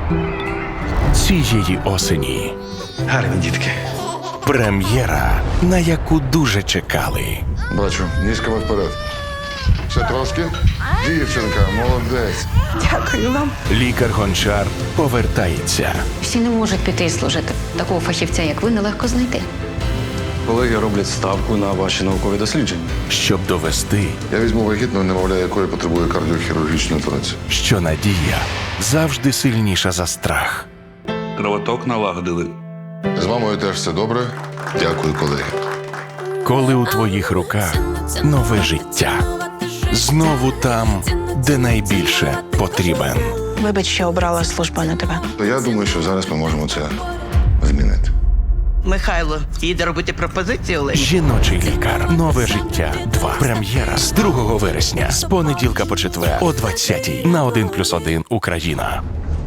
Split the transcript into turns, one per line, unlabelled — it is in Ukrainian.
цієї осені.
Гарні дітки.
Прем'єра, на яку дуже чекали.
Бачу, ніжками вперед. Ще трошки. Дівчинка, молодець.
Дякую вам.
Лікар-гончар повертається.
Всі не можуть піти і служити. Такого фахівця, як ви, нелегко знайти.
Колеги роблять ставку на ваші наукові дослідження.
Щоб довести,
Я візьму вагітну, немовля якої потребує кардіохірургічної операції.
що надія завжди сильніша за страх.
Кровоток налагодили.
З мамою теж все добре. Дякую, колеги.
Коли у твоїх руках нове життя. Знову там, де найбільше потрібен.
Вибач, що обрала службу на тебе.
То я думаю, що зараз ми можемо це змінити.
Михайло їде робити пропозицію Олені.
Жіночий лікар. Нове життя 2. Прем'єра з 2 вересня. З понеділка по четвер о 20-й на 1+1 Україна.